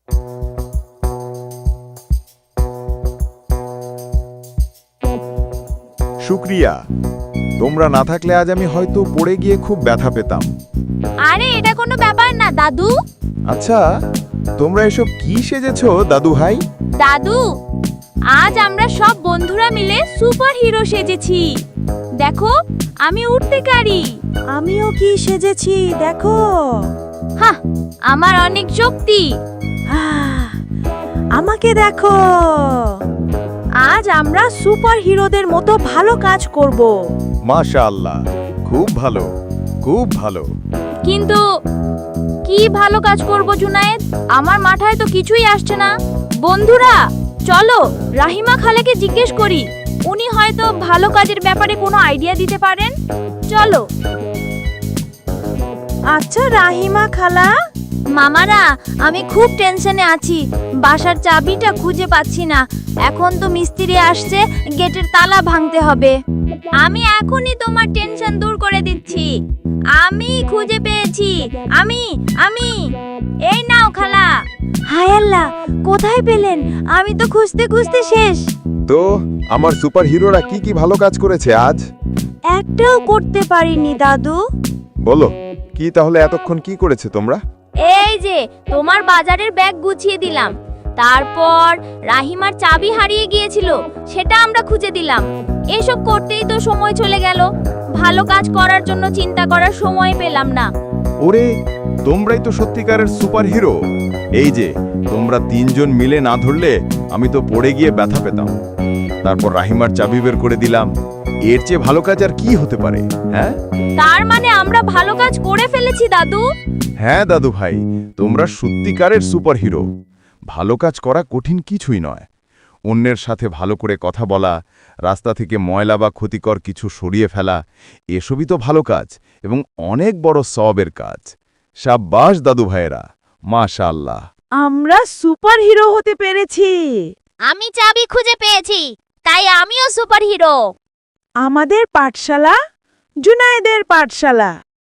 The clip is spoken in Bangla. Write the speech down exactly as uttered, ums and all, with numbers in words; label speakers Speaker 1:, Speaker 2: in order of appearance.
Speaker 1: শুক্রিয়া, তোমরা না থাকলে আজ আমি হয়তো পড়ে গিয়ে খুব ব্যথা পেতাম।
Speaker 2: আরে এটা কোনো ব্যাপার না দাদু।
Speaker 1: আচ্ছা, তোমরা এসব কি সেজেছো দাদু ভাই?
Speaker 2: দাদু, আজ আমরা সব বন্ধুরা মিলে সুপার হিরো সেজেছি। দেখো, আমি উঠতে পারি।
Speaker 3: আমিও কি সেজেছি দেখো।
Speaker 2: হ্যাঁ, আমার অনেক শক্তি।
Speaker 3: আহ, আমাকে দেখো। আজ আমরা সুপার হিরোদের মতো ভালো কাজ করব।
Speaker 1: মাশাআল্লাহ, খুব ভালো, খুব ভালো।
Speaker 2: কিন্তু কি ভালো কাজ করব জুনায়েদ? আমার মাথায় তো কিছুই আসছে না। বন্ধুরা, চলো রাহিমা খালাকে জিজ্ঞেস করি। উনি হয়তো ভালো কাজের ব্যাপারে কোনো আইডিয়া দিতে পারেন। চলো।
Speaker 3: আচ্ছা রাহিমা খালা,
Speaker 2: মামারা, আমি খুব টেনশনে আছি। বাসার চাবিটা খুঁজে পাচ্ছি না। এখন তো মিস্ত্রি আসছে, গেটের তালা ভাঙতে হবে। আমি এখনই তোমার টেনশন দূর করে দিচ্ছি। আমি খুঁজে পেয়েছি। আমি আমি এই নাও খালা। হায় আল্লাহ, কোথায় পেলেন? আমি তো খুঁজতে খুঁজতে শেষ।
Speaker 1: তো আমার সুপার হিরোরা কি কি ভালো কাজ করেছে আজ?
Speaker 3: একটাও করতে পারিনি দাদু।
Speaker 1: বলো, কি তাহলে এতক্ষণ কি করেছে তোমরা?
Speaker 2: এই যে তোমার বাজারের ব্যাগ গুছিয়ে দিলাম। তারপর রাহিমার চাবি হারিয়ে গিয়েছিল, সেটা আমরা খুঁজে দিলাম। এসব করতেই তো সময় চলে গেল। ভালো কাজ করার জন্য চিন্তা করার সময় পেলাম না।
Speaker 1: ওরে, তোমরাই তো সত্যিকারের সুপার হিরো। এই যে তোমরা তিনজন মিলে না ধরলে আমি তো পড়ে গিয়ে ব্যথা পেতাম। তারপর রাহিমার চাবি বের করে দিলাম। এর চেয়ে ভালো কাজ আর কি হতে পারে? হ্যাঁ
Speaker 2: তার মানে আমরা ভালো কাজ করে ফেলেছি দাদু।
Speaker 1: হ্যাঁ দাদু ভাই, তোমরা সত্যিকারের সুপার হিরো। ভালো কাজ করা কঠিন কিছুই নয়। অন্যের সাথে ভালো করে কথা বলা, রাস্তা থেকে ময়লা বা ক্ষতিকর কিছু সরিয়ে ফেলা, এসবই তো ভালো কাজ এবং অনেক বড় সওয়াবের কাজ। শাবাশ দাদু ভাইয়েরা, মাশাআল্লাহ।
Speaker 3: আমরা সুপার হিরো হতে পেরেছি।
Speaker 2: আমি চাবি খুঁজে পেয়েছি, তাই আমিও সুপার হিরো।
Speaker 3: আমাদের পাঠশালা জুনায়েদের পাঠশালা।